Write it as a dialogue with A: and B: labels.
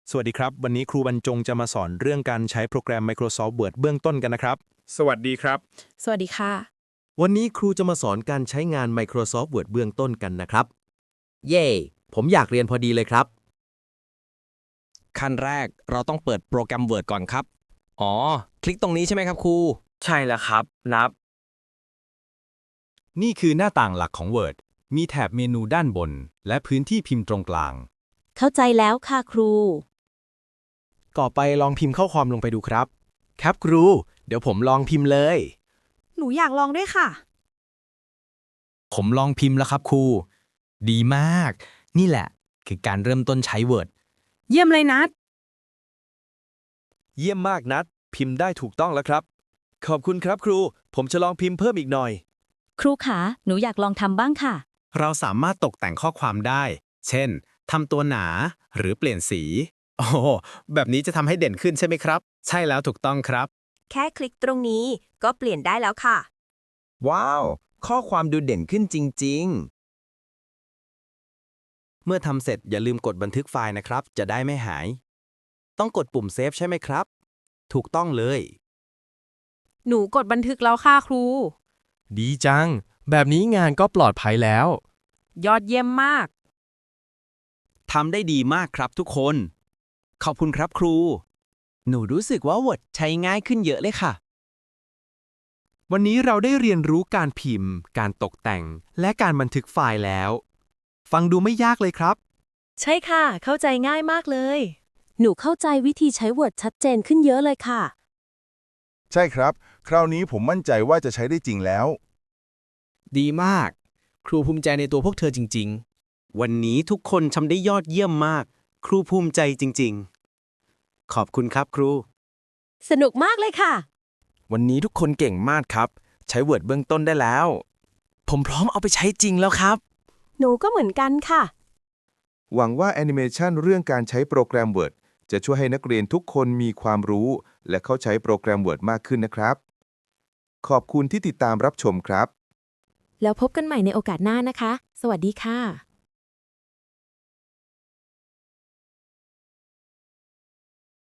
A: สวัสดีครับวันนี้ครูบรรจงจะมาสอนเรื่องการใช้โปรแกรม Microsoft Word เบื้องต้นกันนะครับ
B: สวัสดีครับ
C: สวัสดีค่ะ
D: วันนี้ครูจะมาสอนการใช้งาน Microsoft Word เบื้องต้นกันนะครับ เย่ผมอยากเรียนพอดีเลยครับ
E: ขั้นแรกเราต้องเปิดโปรแกรม Word ก่อนครับ อ๋อ คลิกตรงนี้ใช่ไหมครับครู
B: ใช่แล้วครับนับ
F: นี่คือหน้าต่างหลักของ Word มีแถบเมนูด้านบน และพื้นที่พิมพ์ตรงกลาง
C: เข้าใจแล้วค่ะครู
A: ต่อไปลองพิมพ์ข้อความลงไปดูครับ ครับครู เดี๋ยวผมลองพิมพ์เลย
G: หนูอยากลองด้วยค่ะ
F: ผมลองพิมพ์แล้วครับครู ดีมาก นี่แหละ คือการเริ่มต้นใช้ Word
G: เยี่ยมเลยนัด
H: เยี่ยมมากนัดพิมพ์ได้ถูกต้องแล้วครับ ขอบคุณครับครู ผมจะลองพิมพ์เพิ่มอีกหน่อย
C: ครูขาหนูอยากลองทำบ้างค่ะ
I: เราสามารถตกแต่งข้อความได้ เช่น ทำตัวหนาหรือเปลี่ยนสี โอ้แบบนี้จะทำให้เด่นขึ้นใช่ไหมครับ ใช่แล้วถูกต้องครับ
J: แค่คลิกตรงนี้ก็เปลี่ยนได้แล้วค่ะ
K: ว้าว ข้อความดูเด่นขึ้นจริงๆ เมื่อทำเสร็จอย่าลืมกดบันทึกไฟล์นะครับ จะได้ไม่หาย ต้องกดปุ่มเซฟใช่ไหมครับ ถูกต้องเลย
G: หนูกดบันทึกแล้วค่ะครู
A: ดีจัง แบบนี้งานก็ปลอดภัยแล้ว
G: ยอดเยี่ยมมาก
K: ทำได้ดีมากครับทุกคน ขอบคุณครับครู หนูรู้สึกว่า Word ใช้ง่ายขึ้นเยอะเลยค่ะ
A: วันนี้เราได้เรียนรู้การพิมพ์ การตกแต่ง และการบันทึกไฟล์แล้ว ฟังดูไม่ยากเลยครับ
C: ใช่ค่ะ เข้าใจง่ายมากเลย หนูเข้าใจวิธีใช้ Word ชัดเจนขึ้นเยอะเลยค่ะ
L: ใช่ครับ คราวนี้ผมมั่นใจว่าจะใช้ได้จริงแล้ว
E: ดีมาก ครูภูมิใจในตัวพวกเธอจริง
K: วันนี้ทุกคนทำได้ยอดเยี่ยมมาก ครูภูมิใจจริงๆ ขอบคุณครับครู
C: สนุกมากเลยค่ะ
H: วันนี้ทุกคนเก่งมากครับ ใช้ Word เบื้องต้นได้แล้ว ผมพร้อมเอาไปใช้จริงแล้วครับ
C: หนูก็เหมือนกันค่ะ
L: หวังว่าแอนิเมชันเรื่องการใช้โปรแกรม Word จะช่วยให้นักเรียนทุกคนมีความรู้ และเข้าใช้โปรแกรม Word มากขึ้นนะครับ ขอบคุณที่ติดตามรับชมครับ
C: แล้วพบกันใหม่ในโอกาสหน้านะคะ สวัสดีค่ะ